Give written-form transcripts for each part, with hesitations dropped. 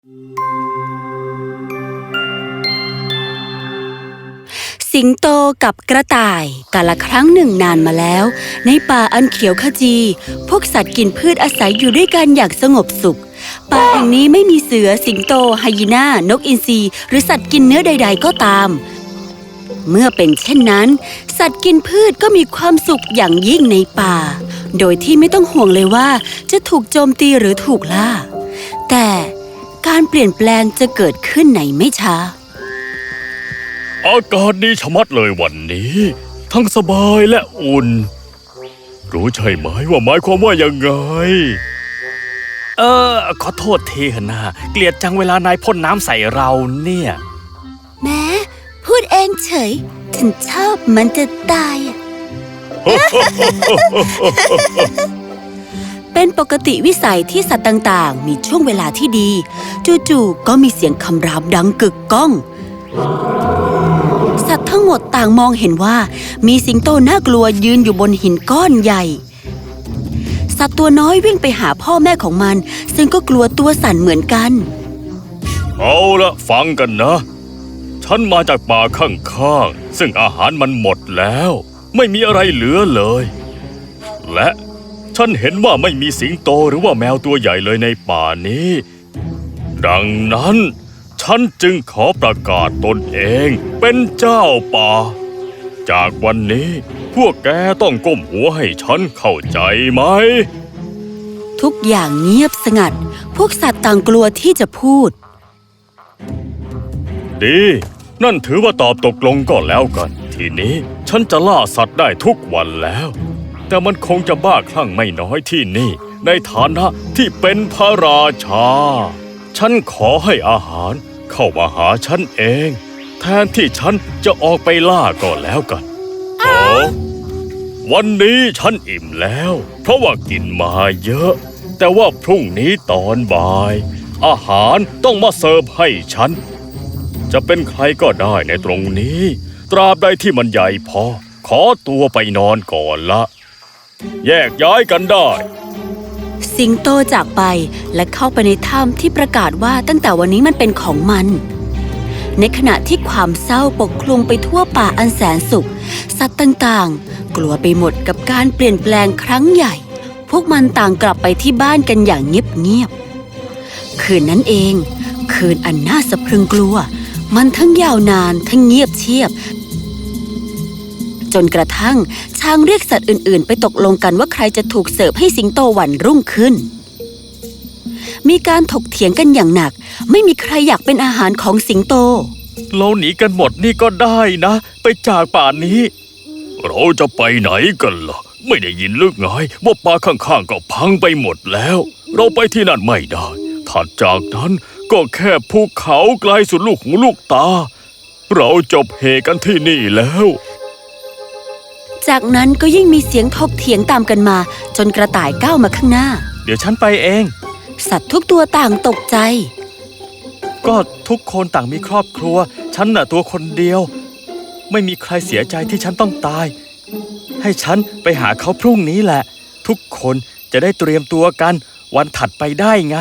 สิงโตกับกระต่ายกาลครั้งหนึ่งนานมาแล้วในป่าอันเขียวขจีพวกสัตว์กินพืชอาศัยอยู่ด้วยกันอย่างสงบสุขป่าแห่งนี้ไม่มีเสือสิงโตไฮยีน่านกอินทรีหรือสัตว์กินเนื้อใดๆก็ตามเมื่อเป็นเช่นนั้นสัตว์กินพืชก็มีความสุขอย่างยิ่งในป่าโดยที่ไม่ต้องห่วงเลยว่าจะถูกโจมตีหรือถูกล่าแต่การเปลี่ยนแปลงจะเกิดขึ้นในไม่ช้าอากาศดีชะมัดเลยวันนี้ทั้งสบายและอุ่นรู้ใช่ไหมว่าหมายความว่ายังไงขอโทษทีนะเกลียดจังเวลานายพ่นน้ำใส่เราเนี่ยแม้พูดเองเฉยฉันชอบมันจะตาย เป็นปกติวิสัยที่สัตว์ต่างๆมีช่วงเวลาที่ดีจู่ๆก็มีเสียงคำรามดังกึกก้องสัตว์ทั้งหมดต่างมองเห็นว่ามีสิงโตน่ากลัวยืนอยู่บนหินก้อนใหญ่สัตว์ตัวน้อยวิ่งไปหาพ่อแม่ของมันซึ่งก็กลัวตัวสั่นเหมือนกันเอาละฟังกันนะฉันมาจากป่าข้างๆซึ่งอาหารมันหมดแล้วไม่มีอะไรเหลือเลยและฉันเห็นว่าไม่มีสิงโตหรือว่าแมวตัวใหญ่เลยในป่านี้ดังนั้นฉันจึงขอประกาศตนเองเป็นเจ้าป่าจากวันนี้พวกแกต้องก้มหัวให้ฉันเข้าใจไหมทุกอย่างเงียบสงัดพวกสัตว์ต่างกลัวที่จะพูดดีนั่นถือว่าตอบตกลงก็แล้วกันทีนี้ฉันจะล่าสัตว์ได้ทุกวันแล้วแต่มันคงจะบ้าคลั่งไม่น้อยที่นี่ในฐานะที่เป็นพระราชาฉันขอให้อาหารเข้ามาหาฉันเองแทนที่ฉันจะออกไปล่าก็แล้วกันวันนี้ฉันอิ่มแล้วเพราะว่ากินมาเยอะแต่ว่าพรุ่งนี้ตอนบ่ายอาหารต้องมาเสิร์ฟให้ฉันจะเป็นใครก็ได้ในตรงนี้ตราบใดที่มันใหญ่พอขอตัวไปนอนก่อนละแยกย้ายกันได้สิงโตจากไปและเข้าไปในถ้ำที่ประกาศว่าตั้งแต่วันนี้มันเป็นของมันในขณะที่ความเศร้าปกคลุมไปทั่วป่าอันแสนสุขสัตว์ต่างๆกลัวไปหมดกับการเปลี่ยนแปลงครั้งใหญ่พวกมันต่างกลับไปที่บ้านกันอย่างเงียบๆคืนนั้นเองคืนอันน่าสะพรึงกลัวมันทั้งยาวนานทั้งเงียบเชียบจนกระทั่งช้างเรียกสัตว์อื่นๆไปตกลงกันว่าใครจะถูกเสิร์ฟให้สิงโตวันรุ่งขึ้นมีการถกเถียงกันอย่างหนักไม่มีใครอยากเป็นอาหารของสิงโตเราหนีกันหมดนี่ก็ได้นะไปจากป่านี้เราจะไปไหนกันล่ะไม่ได้ยินหรือไงว่าป่าข้างๆก็พังไปหมดแล้วเราไปที่นั่นไม่ได้ถัดจากนั้นก็แค่ภูเขาไกลสุดลูกหูลูกตาเราจบเหกันที่นี่แล้วจากนั้นก็ยิ่งมีเสียงถกเถียงตามกันมาจนกระต่ายก้าวมาข้างหน้าเดี๋ยวฉันไปเองสัตว์ทุกตัวต่างตกใจก็ทุกคนต่างมีครอบครัวฉันน่ะตัวคนเดียวไม่มีใครเสียใจที่ฉันต้องตายให้ฉันไปหาเขาพรุ่งนี้แหละทุกคนจะได้เตรียมตัวกันวันถัดไปได้ไง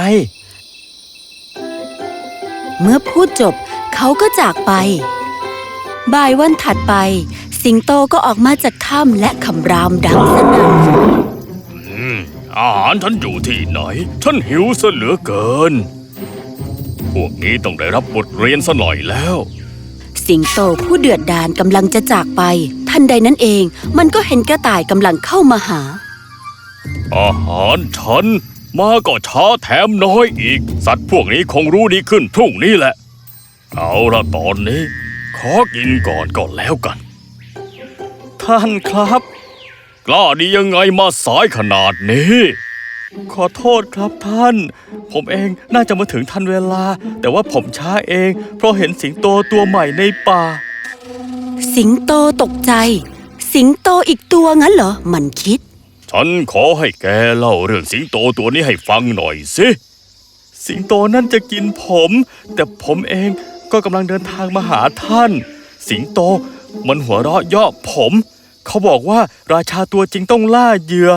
เมื่อพูดจบเขาก็จากไปบ่ายวันถัดไปสิงโตก็ออกมาจากถ้ำและคำรามดังสนั่นอาหารฉันอยู่ที่ไหนฉันหิวซะเหลือเกินพวกนี้ต้องได้รับบทเรียนซะหน่อยแล้วสิงโตผู้เดือดดาลกำลังจะจากไปทันใดนั้นเองมันก็เห็นกระต่ายกำลังเข้ามาหาอาหารฉันมาก็ช้าแถมน้อยอีกสัตว์พวกนี้คงรู้ดีขึ้นพรุ่งนี้แหละเอาละตอนนี้ขอกินก่อนก็แล้วกันท่านครับกล้าดียังไงมาสายขนาดนี้ขอโทษครับท่านผมเองน่าจะมาถึงทันเวลาแต่ว่าผมช้าเองเพราะเห็นสิงโตตัวใหม่ในป่าสิงโตตกใจสิงโตอีกตัวงั้นเหรอมันคิดฉันขอให้แกเล่าเรื่องสิงโตตัวนี้ให้ฟังหน่อยสิสิงโตนั่นจะกินผมแต่ผมเองก็กำลังเดินทางมาหาท่านสิงโตมันหัวเราะเยาะผมเขาบอกว่าราชาตัวจริงต้องล่าเหยื่อ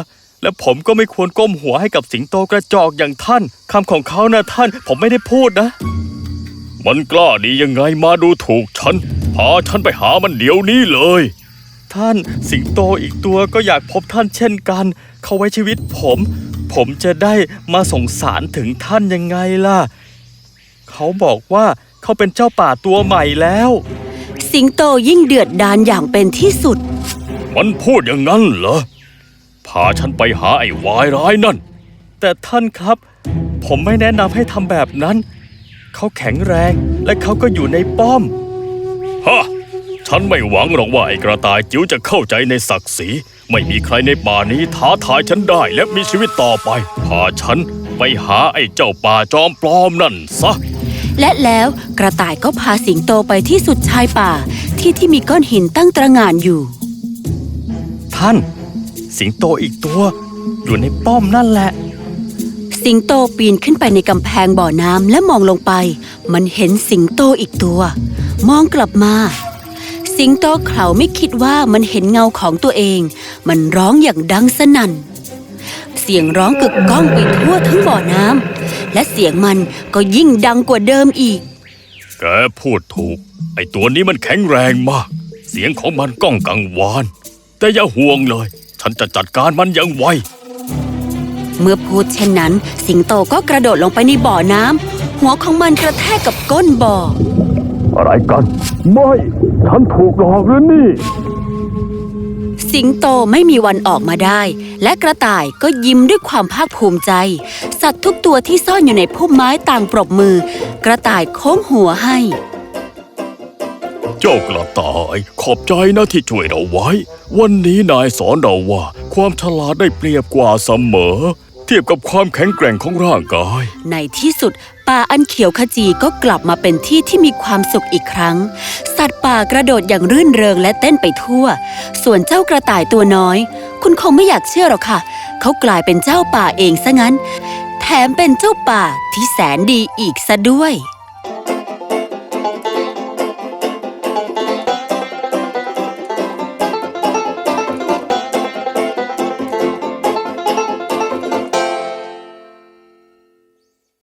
และผมก็ไม่ควรก้มหัวให้กับสิงโตกระจอกอย่างท่านคำของเขานะท่านผมไม่ได้พูดนะมันกล้าดียังไงมาดูถูกฉัน พาฉันไปหามันเดี๋ยวนี้เลยท่านสิงโตอีกตัวก็อยากพบท่านเช่นกัน เขาไว้ชีวิตผมจะได้มาสงสารถึงท่านยังไงล่ะ เขาบอกว่าเขาเป็นเจ้าป่าตัวใหม่แล้วสิงโตยิ่งเดือดดาลอย่างเป็นที่สุดมันพูดอย่างนั้นเหรอ พาฉันไปหาไอ้วายร้ายนั่นแต่ท่านครับ ผมไม่แนะนำให้ทำแบบนั้น เขาแข็งแรงและเขาก็อยู่ในป้อมฮะ ฉันไม่หวังหรอกว่าไอ้กระต่ายจิ๋วจะเข้าใจในศักดิ์ศรี ไม่มีใครในป่านี้ท้าทายฉันได้และมีชีวิตต่อไป พาฉันไปหาไอ้เจ้าป่าจอมปลอมนั่นซะและแล้วกระต่ายก็พาสิงโตไปที่สุดชายป่าที่มีก้อนหินตั้งตระหง่านอยู่ท่าน สิงโตอีกตัว อยู่ในป้อมนั่นแหละสิงโตปีนขึ้นไปในกำแพงบ่อน้ำและมองลงไป มันเห็นสิงโตอีกตัว มองกลับมา สิงโตเขาไม่คิดว่ามันเห็นเงาของตัวเอง มันร้องอย่างดังสนั่น เสียงร้องกึกก้องไปทั่วทั้งบ่อน้ำและเสียงมันก็ยิ่งดังกว่าเดิมอีกแกพูดถูก ไอ้ตัวนี้มันแข็งแรงมาก เสียงของมันก้องกังวาน แต่อย่าห่วงเลย ฉันจะจัดการมันอย่างไวเมื่อพูดเช่นนั้น สิงโตก็กระโดดลงไปในบ่อน้ำหัวของมันกระแทกกับก้นบ่ออะไรกัน ไม่ ฉันถูกหลอกหรือนี่สิงโตไม่มีวันออกมาได้ และกระต่ายก็ยิ้มด้วยความภาคภูมิใจ สัตว์ทุกตัวที่ซ่อนอยู่ในพุ่มไม้ต่างปรบมือ กระต่ายโค้งหัวให้เจ้ากระต่ายขอบใจนะที่ช่วยเราไว้ วันนี้นายสอนเราว่าความฉลาดได้เปรียบกว่าเสมอ เทียบกับความแข็งแกร่งของร่างกายในที่สุดป่าอันเขียวขจีก็กลับมาเป็นที่ที่มีความสุขอีกครั้ง สัตว์ป่ากระโดดอย่างรื่นเริงและเต้นไปทั่ว ส่วนเจ้ากระต่ายตัวน้อย คุณคงไม่อยากเชื่อหรอกค่ะ เขากลายเป็นเจ้าป่าเองซะงั้น แถมเป็นเจ้าป่าที่แสนดีอีกซะด้วย